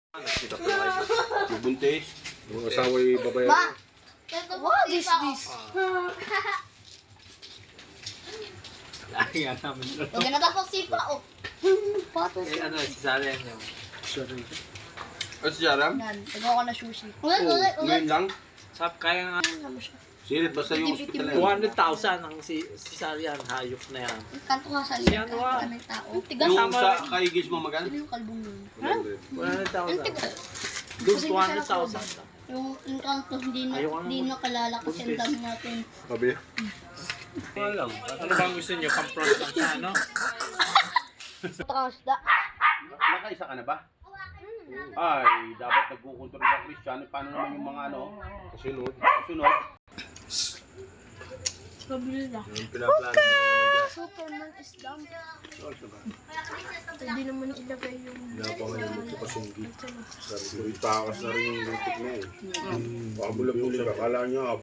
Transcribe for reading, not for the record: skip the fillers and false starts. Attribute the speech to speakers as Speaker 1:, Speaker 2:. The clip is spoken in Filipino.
Speaker 1: Yung buntis.
Speaker 2: Yung asawa yung babae.
Speaker 3: Ma! What is this?
Speaker 4: Lagi nga namin.
Speaker 3: Huwag na tapos sipa, oh. Patos.
Speaker 4: Eh ano, sisali yan yung...
Speaker 2: Sorry.
Speaker 1: At si Jaram?
Speaker 3: Yan, tagaw ko na sushi.
Speaker 1: Oo, ngayon lang.
Speaker 4: Sap, kaya nga.
Speaker 1: Sirit, basta yung hospital na yun.
Speaker 4: 200,000 ang si Sarian, hayop na yan.
Speaker 3: Kanto ka sa
Speaker 4: Si
Speaker 3: liit.
Speaker 4: ano ah?
Speaker 3: Kaming tao.
Speaker 1: Yung sa kaigis mo magan?
Speaker 3: Sino yung kalbong nun?
Speaker 4: 100,000. Doon 200,000.
Speaker 3: Yung kanto hindi
Speaker 4: Ayoko na
Speaker 3: na kalala kasi ang dami natin.
Speaker 2: Sabi.
Speaker 4: Ano bang gusto nyo? Pang-front lang siya, no?
Speaker 3: Transda.
Speaker 1: Nakaisa ka na ba? Ay, dapat nagkukontrol ng Kristiyan. Paano naman yung mga ano?
Speaker 2: Kasunod.
Speaker 1: Kasunod.
Speaker 3: Pabila.
Speaker 2: Yung pinaplano mo naman dyan.
Speaker 3: Superman is dumb.
Speaker 2: Oh, ito ba?
Speaker 3: Hindi naman ilagay yung...
Speaker 2: Pinapangalan mo ito kasunggi. Sabi ko, itakas na rin yung lutik na eh. Pabulap-bulap. Akala niya,